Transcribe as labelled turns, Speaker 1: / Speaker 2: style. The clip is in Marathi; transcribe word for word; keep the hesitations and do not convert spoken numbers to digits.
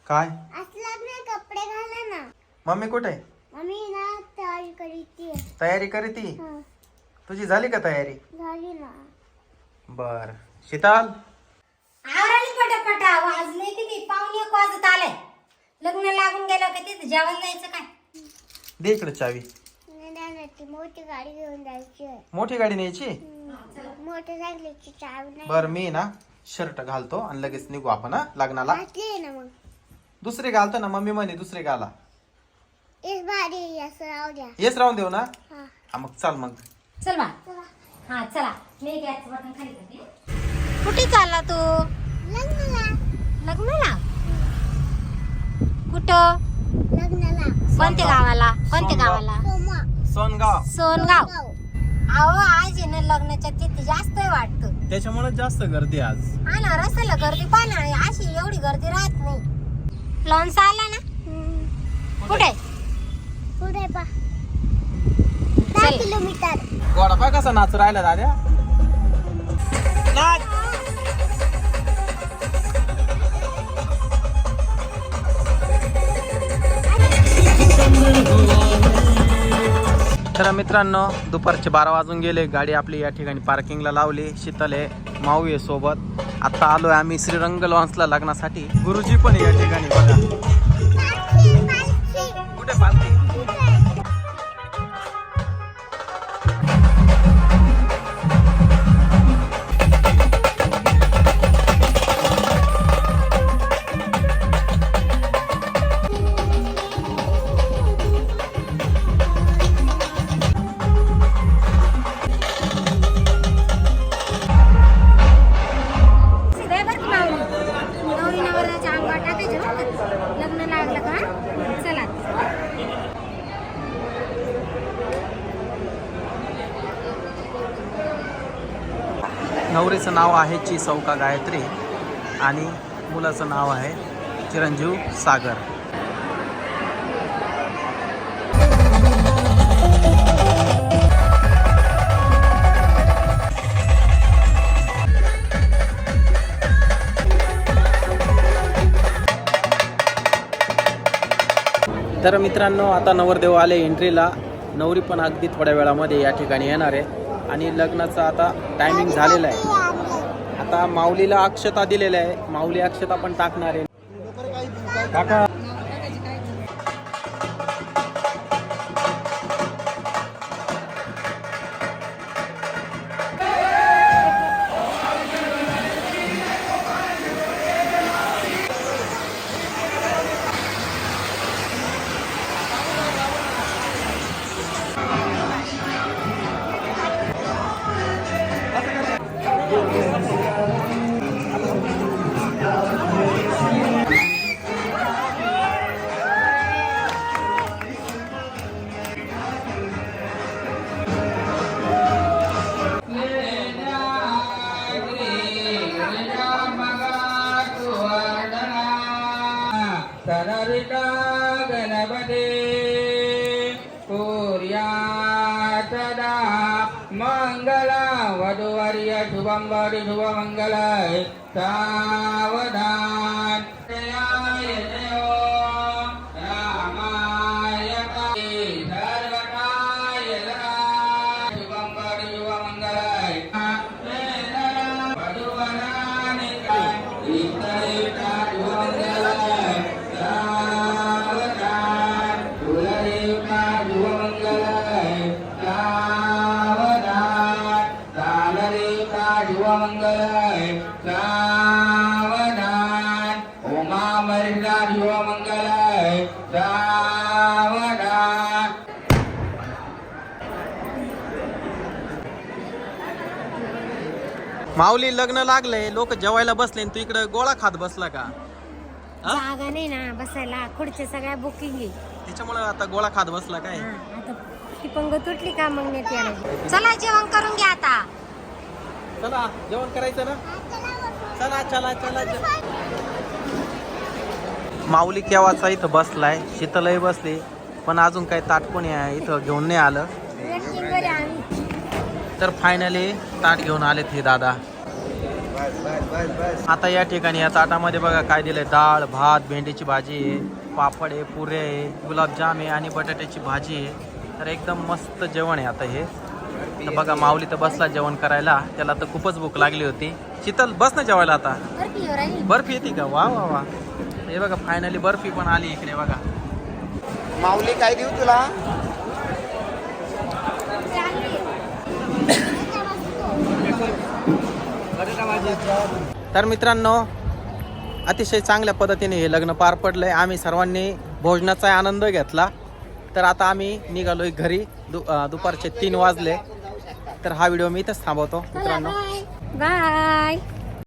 Speaker 1: काय
Speaker 2: असलं नाही कपडे घाला ना.
Speaker 1: मम्मी कुठे आहे?
Speaker 2: मम्मी ना तयारी करीती.
Speaker 1: तयारी करीती.
Speaker 2: हं,
Speaker 1: तुझी झाली का तयारी?
Speaker 2: झाली ना.
Speaker 1: बर शीतल
Speaker 3: आवराली पटापटा. वाजले किती? पावणे एक वाजत आले. लग्न लागून गेलं का तिथे जेवायला जायचं काय?
Speaker 1: दे इकडे चावी.
Speaker 2: नाही, नाही, नाही, ती मोठी गाडी घेऊन जायची आहे.
Speaker 1: मोठी गाडी न्यायची.
Speaker 2: मोटरसायकलची चावी नाही.
Speaker 1: बर मी ना शर्ट घालतो आणि लगेच निघू आपण हा लग्नाला.
Speaker 2: घातली आहे ना मग.
Speaker 1: दुसरी घालतो ना मम्मी म्हणे दुसरी घाला.
Speaker 2: इस भारी असं राहू द्या.
Speaker 1: येस राहून देऊ ना.
Speaker 2: हा.
Speaker 1: हा मग चाल मग.
Speaker 3: चल बा.
Speaker 2: चला.
Speaker 3: हा चला. मी गॅसचं बटन खाली करते. कुठे चालला तू?
Speaker 2: लग्नाला.
Speaker 3: लग्नाला? कुठं?
Speaker 2: लग्नाला.
Speaker 3: कोणत्या गावाला? कोणत्या
Speaker 1: सोनगाव.
Speaker 3: गावाला?
Speaker 2: सोमा.
Speaker 1: सोनगाव.
Speaker 3: सोनगाव.
Speaker 2: गाव.
Speaker 3: अहो आज आहे ना लग्नाच्या तिथे जास्त वाटतं.
Speaker 1: त्याच्यामुळे जास्त गर्दी आज.
Speaker 3: हा ना रस्त्याला गर्दी पाहा ना. अशी एवढी गर्दी राहत नाही. लॉन्स आला ना?
Speaker 2: हम्म.
Speaker 3: कुठे?
Speaker 2: पुढे पा. दहा
Speaker 3: चल.
Speaker 2: किलोमीटर.
Speaker 1: गोडा पाय कसा नाच राहिला दाद्या. नाच. तर मित्रांनो दुपारचे बारा वाजून गेले. गाडी आपली या ठिकाणी पार्किंगला लावली. शीतल आहे माऊ आहे सोबत. आता आलोय आम्ही श्रीरंग लॉन्सला लग्नासाठी. गुरुजी पण आहे या ठिकाणी बघा.
Speaker 2: पालखी, पालखी.
Speaker 1: कुठे पालखी?
Speaker 3: दे बरं की माऊली. नवरी नवऱ्याच्या अंगावर टाकायचे बरं का. लग्न लागलं का? चला.
Speaker 1: नवरीचं नाव आहे ची सौका गायत्री आणि मुलाचं नाव आहे चिरंजीव सागर. तर मित्रांनो आता नवरदेव आले एंट्रीला. नवरी पण अगदी थोड्या वेळामध्ये या ठिकाणी येणार आहे आणि लग्नाचं आता टायमिंग झालेलं आहे. आता माऊलीला अक्षता दिलेल्या आहे. माऊली अक्षता पण टाकणार आहे. काका
Speaker 4: सनरिता गणपते पूर्या सदा मंगला वधुवर्य शुभं वरि शुभमंगलाय सावधान जयाय जयो रामाय सर्वकाय शुभं वरि शुभमंगलाय वधुवरानि इतरिता शुभमंगलाय सावधान कुलदेवता शुभमंगलाय सावधान कालदेवता शुभमंगलाय सावधान उमामरिदा शुभमंगलाय सावधान.
Speaker 1: माऊली लग्न लागलंय. लोक जेवायला बसले आणि तू इकडे गोळा खात बसला का? हा?
Speaker 3: जागा नाही ना बसायला. खुर्च्या सगळ्या बुकिंग आहे.
Speaker 1: त्याच्यामुळे आता गोळा खात बसला काय?
Speaker 3: हा, आता ती पंग तुटली का मग नेते आला. चला जेवण करून घ्या आता.
Speaker 1: चला जेवण करायचं ना. चला चला चला जे- माऊली केव्हाचा इथं बसलाय. शीतलही बसली पण अजून काही ताट कोणी इथं घेऊन नाही आलं.
Speaker 3: वेटिंग वर आहे आम्ही.
Speaker 1: तर फायनली ताट घेऊन आलेत हे दादा. आता या ठिकाणी या ताटामध्ये बघा काय दिलंय, डाळ भात भेंडीची भाजी आहे, पापड आहे, पुरे आहे, गुलाबजाम आहे आणि बटाट्याची भाजी आहे. तर एकदम मस्त जेवण आहे आता हे. तर बघा माऊली तर बसला जेवण करायला, त्याला तर खूपच भूक लागली होती. शीतल बस ना जेवायला आता. बर्फी येते का? वा वा वा. हे बघा फायनली बर्फी पण आली इकडे बघा. माऊली काय देऊ तुला? तर मित्रांनो अतिशय चांगल्या पद्धतीने हे लग्न पार पडलंय. आम्ही सर्वांनी भोजनाचा आनंद घेतला. तर आता आम्ही निघालोय घरी. दु दुपारचे तीन वाजले. तर हा व्हिडिओ मी इथंच थांबवतो मित्रांनो.
Speaker 3: बाय.